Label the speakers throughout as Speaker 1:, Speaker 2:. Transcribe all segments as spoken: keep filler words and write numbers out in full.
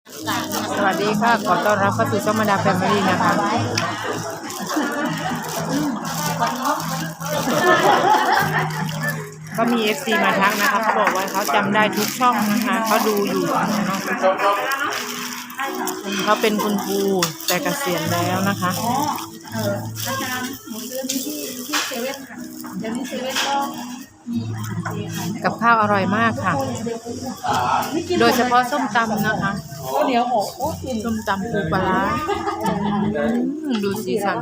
Speaker 1: สวัสดีค่ะขอต้อนรับเข้าสู่ช่องมาดาแฟมิลี่นะคะก็มี เอฟ ซี มาทักนะคะเขาบอกว่าเขาจำได้ทุกช่องนะคะเขาดูอยู่เขาเป็นคุณครูแต่เกษียณแล้วนะคะ
Speaker 2: อ๋อเอออาจารย์หนูซื้อนี่ที่ที่เซเว่นค่ะเดี๋ยวนี้เซเว่นก็มีอาหารเจค่ะ
Speaker 1: กับข้าวอร่อยมากค่ะโดยเฉพาะส้มตำนะคะ
Speaker 2: ก็เดี๋ยวโอ้โหกิน
Speaker 1: ส้มตำปูปลาร้าดูสีสัน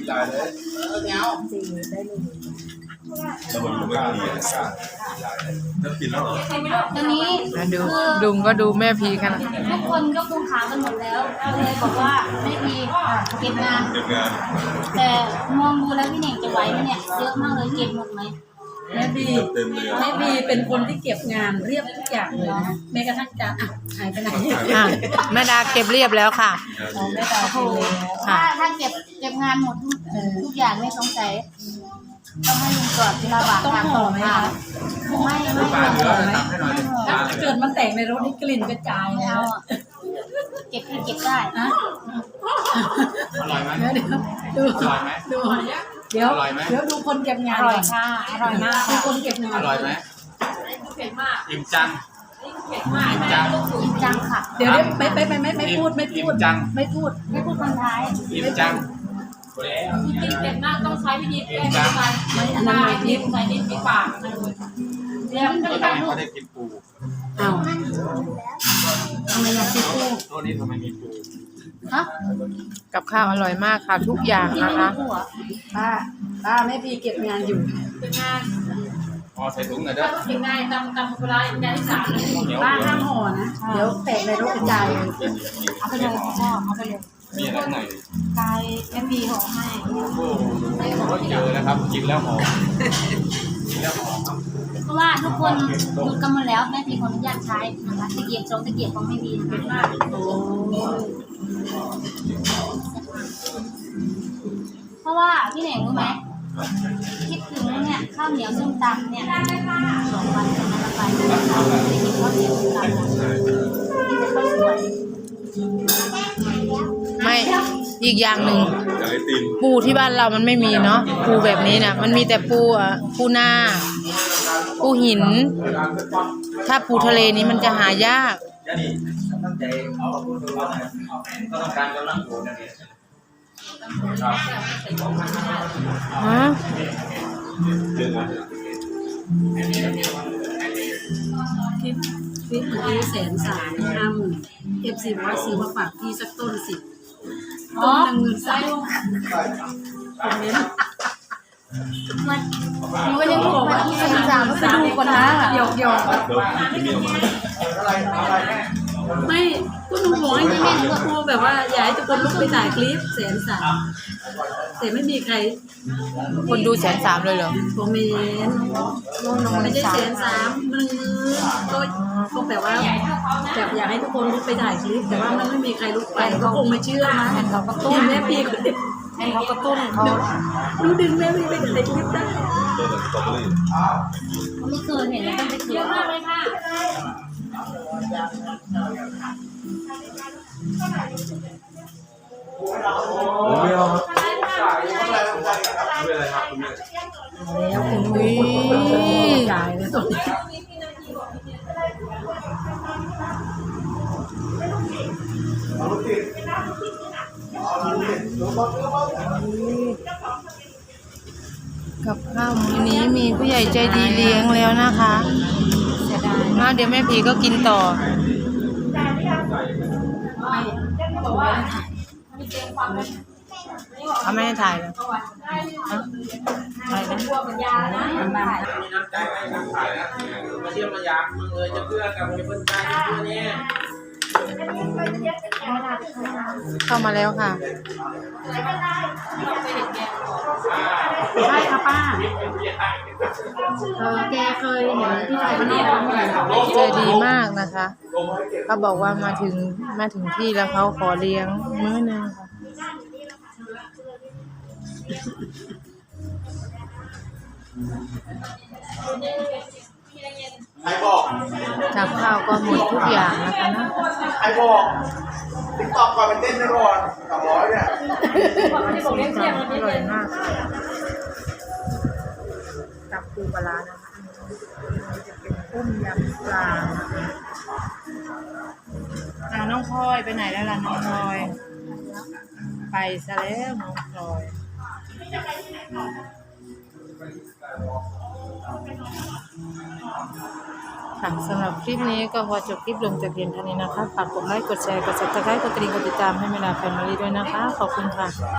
Speaker 3: ตอนนี้
Speaker 1: ดูดุงก็ดูแม่พีกัน
Speaker 3: ทุกคนก็คงถามกันหมดแล้วเลยบอกว่าแม่พีเก็บงานแต่มองดูแล้วพี่เน่งจะไหวไหมเนี่ยเยอะมากเลยเก็บหมดไหม
Speaker 2: แม่บีแม่บีเป็นคนที่เก็บงานเรียบทุกอย่างเลยนะแม้กระทั่งจานอ่ะหายไปไหน
Speaker 1: อ่ะแม่ดาเก็บเรียบแล้วค่ะ
Speaker 2: แม่ดาโอ้
Speaker 3: ถ้าถ้าเก็บเก็บงานหมดทุกทุกอย่างไม่สงสัยต้องให้ลุงกอดที่ระหว่างทาง
Speaker 2: ห่อไหมคะ
Speaker 3: ไม่ไม่ห่อไม่
Speaker 2: ถ้าเกิดมันแตกในรถนี่กลิ่นกระจายแล้ว
Speaker 3: เก็บเก็บได้
Speaker 2: อะอร่อยไหมเดี๋ยวดูอร่อยไหมดูเดี๋ยวเดี๋ยวดูคนเก็บงาน
Speaker 3: อร่อยค่ะอร่อยมาก
Speaker 2: ดูคนเก็บงาน
Speaker 4: อร่อยไหม
Speaker 2: เผ็ดมาก
Speaker 4: อิ่มจัง
Speaker 2: อิ่มมาก
Speaker 4: อิ่มจัง
Speaker 3: อิ่มจังค่ะ
Speaker 2: เดี๋ยวไม่ไม่ไม่ไม่ไม่พูดไม่พูดไม่พูด
Speaker 3: ไม่พูดคนท้าย
Speaker 4: อิ่มจัง
Speaker 5: จริงๆเผ็ดมากต้องใช้วิธีแก้ไข
Speaker 2: ไม่อันนั้นไม่
Speaker 5: นิดใส่นิดที่ปาก
Speaker 3: เดี๋ยวไม่
Speaker 4: ก็
Speaker 3: ได้
Speaker 4: ทำไมเขาได้กินปู
Speaker 2: อ้าวทำไมอยากกินปู
Speaker 4: ตัวนี้ทำไมมีปู
Speaker 3: ฮะ
Speaker 1: กับข้าวอร่อยมากค่ะทุกอย่างนะคะ
Speaker 2: ป้าป้าแม่พีเก็บงานอยู่
Speaker 5: เป็นงาน
Speaker 4: อ๋อใส่ถุงหน่อยเด้อ
Speaker 5: เป็นงานตำตำโบราณงานที่สาม
Speaker 2: ป้าห้ามห่อนะเดี๋ยวแตกในรถกระจาย
Speaker 3: เอาไปเลยพ่อเอาไปเลย
Speaker 4: มีอะไรข้างใน
Speaker 3: กายแม่พีห่อให้
Speaker 4: โอ้ก็เยอะนะครับกินแล้วหอมกินแล้วหอม
Speaker 3: เพราะว่าทุกคนหยุดกันหมดแล้วแม่พีขออนุญาตใช้นะคะตะเกียบสองตะเกียบของแม่พีนะคะเพราะว่าพี่เหน่งรู้ไหมคิดถึงเนี่ยข้าวเหนียวส้มตำเนี่ยสองวันจะมาละไปจะกินข้าวเหนียวส้มตำกินแต่ข้าวสวย
Speaker 1: ไม่อีกอย่างหนึ่งปูที่บ้านเรามันไม่มีเนาะปูแบบนี้นะมันมีแต่ปูอ่ะปูนาปูหินถ้าปูทะเลนี้มันจะหายากฮะ
Speaker 2: คลิปคลิปเมื่อกี้แสนสามห้าหมื่นเอฟซีบอกว่าซื้อมาฝากพี่สักต้นสิต้นหนึ่งหมื่นสามคอมเมนต์
Speaker 3: มันหนูก็ยังบอกว่าที่สามก็ไปดูก่อนนะ
Speaker 2: หยอกหยอกไม่ก็หนูบอกให้แม่ก็ครูแบบว่าอยากให้ทุกคนลุกไปถ่ายคลิปแสนสามแต่ไม่มีใคร
Speaker 1: คนดูแสนสามเลยเหรอ
Speaker 2: คอมเมนต์ไม่ใช่แสนสามมันก็ก็แบบว่าแบบอยากให้ทุกคนลุกไปถ่ายคลิปแต่ว่ามันไม่มีใครลุกไปก็คงไม่เชื่อนะ
Speaker 1: เห็นเขากระตุ้น
Speaker 2: แม่พี่คนเดียว
Speaker 1: เห็นเขากระตุ้นเขา
Speaker 2: ดูดึงแม่พี่ไปถ่ายคลิปได้
Speaker 3: ไม่เคยเห็นเลยต้องไปเจอมากเลยค่ะ
Speaker 4: ผมไม่เอา
Speaker 2: แล้วคุณวิจ่ายแล้วตรงนี้
Speaker 1: กับข้าวมื้อนี้มีผู้ใหญ่ใจดีเลี้ยงแล้วนะคะเสียดายมากเดี๋ยวแม่พีก็กินต่อเขาไม่ให้ถ่ายเลยอะไรนะ
Speaker 4: มาเที่ยวมายามมึงเลยจะเพื่อกับเพื่อนใจตัวนี้
Speaker 1: เข้ามาแล้วค่ะ
Speaker 2: ใช่ค่ะป้าเออแกเคยเห็นพี่ชายคนนี้
Speaker 1: ใจดีมากนะคะเขาบอกว่ามาถึงมาถึงที่แล้วเขาขอเลี้ยงมื้อนึงค่ะ
Speaker 6: ใครบอก
Speaker 1: กับข้าวก็หมดทุกอย่างนะคะเนาะ
Speaker 6: ใครบอกติ๊กต็อกก่อนไปเต้นไปก่อนสองร้อยเนี่ย
Speaker 1: ส้มตำอร่อยมากค่ะกับปูปลาร้านะคะจะเป็นต้มยำปลาอ่าน้องพลอยไปไหนแล้วล่ะน้องพลอยไปซะแล้วน้องพลอยค่ะสำหรับคลิปนี้ก็พอจบคลิปลงแต่เพียงเท่านี้นะคะฝากกดไลค์กดแชร์กดซับสไครต์กดกระดิ่งกดติดตามให้เวลาแฟมิลี่ด้วยนะคะขอบคุณค่ะ